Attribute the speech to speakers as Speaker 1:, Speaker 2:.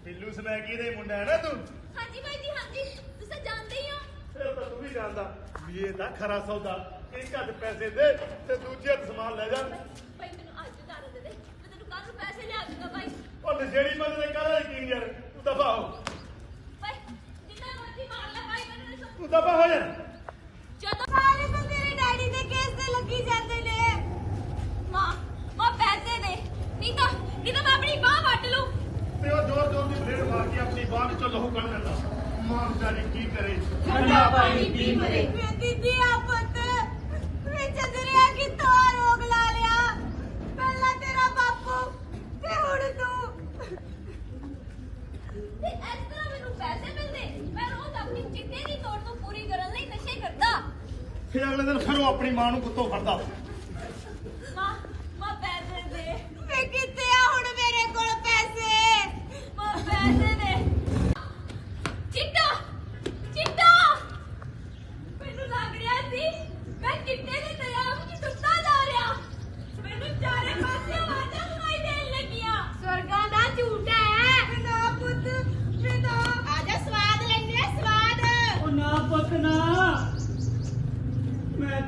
Speaker 1: ਬਿੱਲੂ ਸਮੈਕੀ ਦੇ ਮੁੰਡਾ ਹੈ ਨਾ ਤੂੰ?
Speaker 2: ਹਾਂਜੀ ਬਾਈ ਜੀ ਹਾਂਜੀ, ਤੁਸੀਂ ਜਾਣਦੇ ਹੀ ਹੋ।
Speaker 1: ਇਹ ਤਾਂ ਤੂੰ ਵੀ ਜਾਣਦਾ ਵੀ ਇਹ ਤਾਂ ਖਰਾ ਸੌਦਾ। ਇੱਕ ਹੱਥ ਪੈਸੇ ਦੇ ਤੇ ਦੂਜੇ ਹੱਥ ਸਮਾਨ ਲੈ ਜਾ।
Speaker 2: ਬਾਈ ਮੈਨੂੰ ਅੱਜ ਉਤਾਰ ਦੇ, ਮੈਂ ਤੈਨੂੰ ਕੱਲ ਨੂੰ ਪੈਸੇ ਲਿਆ ਦੂੰਗਾ ਬਾਈ।
Speaker 1: ਉਹ ਨਸ਼ੇੜੀ ਬੰਦੇ ਦੇ ਕਾਹਦਾ ਯਕੀਨ ਯਾਰ, ਤੂੰ ਦਫਾ ਹੋ।
Speaker 2: ਬਾਈ ਜਿੰਨਾ ਮਰਜ਼ੀ ਮਾਰ ਲੈ ਬਾਈ, ਮੈਨੂੰ ਨਹੀਂ
Speaker 1: ਤੂੰ ਦਫਾ ਹੋ ਜਾ।
Speaker 2: ਜਦੋਂ ਸਾਰੇ ਬੰਦੇ ਤੇਰੇ ਡੈਡੀ ਦੇ ਕੇਸ ਤੇ ਲੱਗੀ ਜਾਂਦੇ ਨੇ। ਮਾਂ ਪੈਸੇ ਦੇ, ਨਹੀਂ ਤਾਂ ਮੈਂ ਆਪਣੀ ਬਾਹ ਵੱਟ ਲੂੰ।
Speaker 1: ਤੇ ਉਹ ਜ਼ੋਰ ਜ਼ੋਰ ਦੀ ਬਲੇਡ ਮਾਰ ਕੇ ਆਪਣੀ ਬਾਹ ਵਿੱਚੋਂ ਲਹੂ ਕੱਢ ਲੈਂਦਾ। ਮਾਂ ਵਿਚਾਰੀ ਕੀ ਕਰੇ,
Speaker 2: ਠੰਡਾ ਪਾਣੀ ਪੀ ਮਰੇ। ਮੈਂ ਦੀਦੀ ਆ ਪੁੱਤ ਵਿੱਚ ਦਰਿਆ ਕਿੱਥੋਂ ਰੋਗ ਲਾ ਲਿਆ। ਪਹਿਲਾਂ ਤੇਰਾ ਬਾਪੂ ਤੇ ਹੁਣ ਤੂੰ। ਤੇ ਇਸ ਤਰ੍ਹਾਂ ਮੈਨੂੰ ਪੈਸੇ ਮਿਲਦੇ, ਮੈਂ ਰੋਜ਼ ਆਪਣੀ ਚਿੱਟੇ ਦੀ ਤੋੜ ਨੂੰ ਪੂਰੀ ਕਰਨ ਲਈ ਨਸ਼ੇ ਕਰਦਾ।
Speaker 1: ਫਿਰ ਅਗਲੇ ਦਿਨ ਫਿਰ ਉਹ ਆਪਣੀ ਮਾਂ ਨੂੰ ਕੁੱਤੋਂ ਫੜਦਾ।